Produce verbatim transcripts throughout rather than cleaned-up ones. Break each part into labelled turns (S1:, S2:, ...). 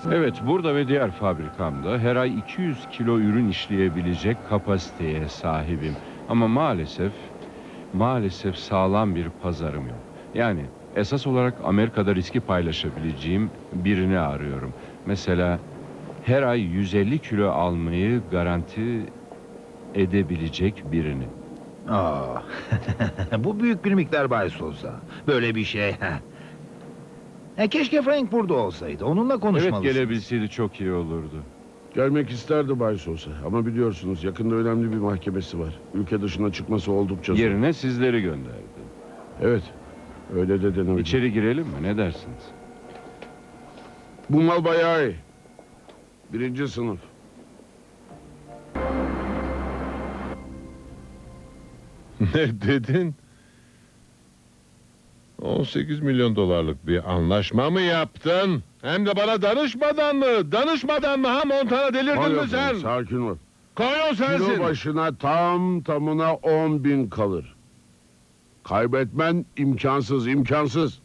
S1: Evet, burada ve diğer fabrikamda her ay iki yüz kilo ürün işleyebilecek kapasiteye sahibim. Ama maalesef, maalesef sağlam bir pazarım yok. Yani esas olarak Amerika'da riski paylaşabileceğim birini arıyorum. Mesela her ay yüz elli kilo almayı garanti edebilecek birini.
S2: Aa, bu büyük bir miktar bahis olsa. Böyle bir şey. Ha, keşke Frank burada olsaydı. Onunla
S1: Evet,
S2: konuşmalısınız.
S1: gelebilseydi çok iyi olurdu.
S3: Gelmek isterdi Bay Sosa. Ama biliyorsunuz yakında önemli bir mahkemesi var. Ülke dışına çıkması oldukça zor.
S1: Yerine sizleri gönderdi.
S3: Evet. Öyle de denebilir.
S1: İçeri girelim mi? Ne dersiniz?
S3: Bu mal bayağı iyi. Birinci sınıf.
S4: Ne dedin? on sekiz milyon dolarlık bir anlaşma mı yaptın? Hem de bana danışmadan mı? Danışmadan mı ha Montana, delirdin
S3: Hayır,
S4: mi sen?
S3: sakin ol.
S4: Koyon
S3: Kilo
S4: sensin.
S3: başına tam tamına on bin kalır. Kaybetmen imkansız, imkansız.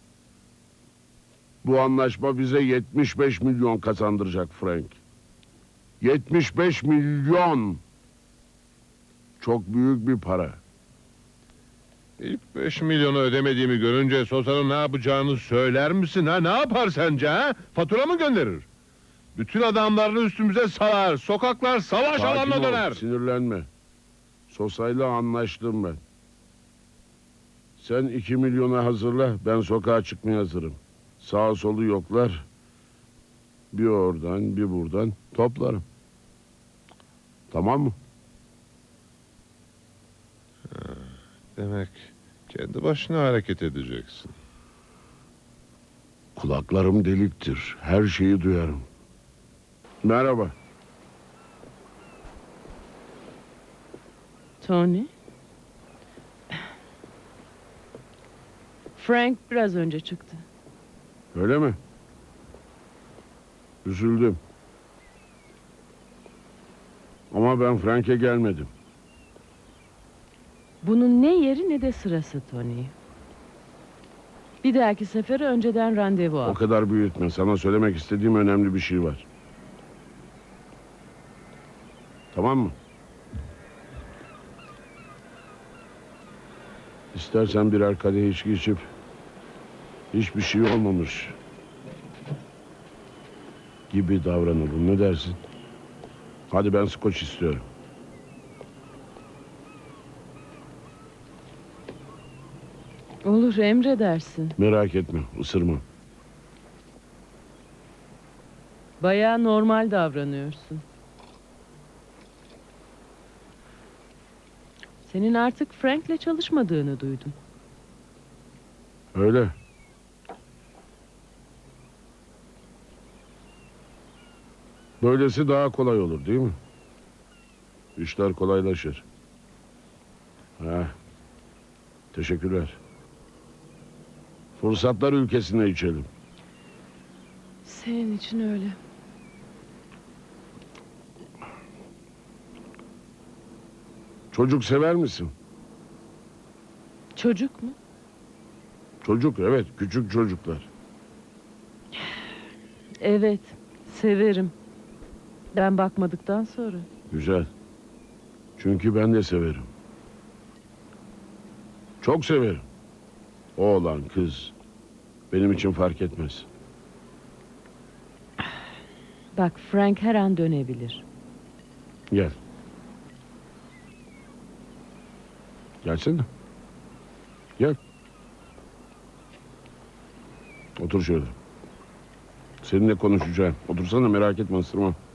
S3: Bu anlaşma bize yetmiş beş milyon kazandıracak Frank. yetmiş beş milyon. Çok büyük bir para.
S4: İlk beş milyonu ödemediğimi görünce Sosa'nın ne yapacağını söyler misin ha? Ne yapar sence ha? Fatura mı gönderir? Bütün adamlarını üstümüze salar. Sokaklar savaş
S3: Sakin
S4: alanına
S3: ol,
S4: döner.
S3: sinirlenme. Sosa'yla anlaştım ben. Sen iki milyona hazırla, ben sokağa çıkmaya hazırım. Sağa solu yoklar. Bir oradan, bir buradan toplarım. Tamam mı?
S4: Demek kendi başına hareket edeceksin.
S3: Kulaklarım deliktir. Her şeyi duyarım. Merhaba.
S5: Tony? Frank biraz önce çıktı.
S3: Öyle mi? Üzüldüm. Ama ben Frank'e gelmedim.
S5: Bunun ne yeri ne de sırası Tony. Bir dahaki sefere önceden randevu
S3: O
S5: al.
S3: kadar büyütme. Sana söylemek istediğim önemli bir şey var. Tamam mı? İstersen birer kadeh içki içip hiçbir şey olmamış gibi davranalım. Ne dersin? Hadi, ben skoç istiyorum.
S5: Olur, emredersin.
S3: Merak etme, ısırmam.
S5: Bayağı normal davranıyorsun. Senin artık Frank'le çalışmadığını duydum.
S3: Öyle. Böylesi daha kolay olur, değil mi? İşler kolaylaşır. Ha. Teşekkürler. Fırsatlar ülkesine içelim.
S5: Senin için öyle.
S3: Çocuk sever misin?
S5: Çocuk mu?
S3: Çocuk, evet, küçük çocuklar.
S5: Evet, severim. Ben bakmadıktan sonra.
S3: Güzel. Çünkü ben de severim. Çok severim. Oğlan, kız. Benim için fark etmez.
S5: Bak, Frank her an dönebilir.
S3: Gel. Gelsene. Gel. Otur şöyle. Seninle konuşacağım. Otursana, merak etme, ısırmam.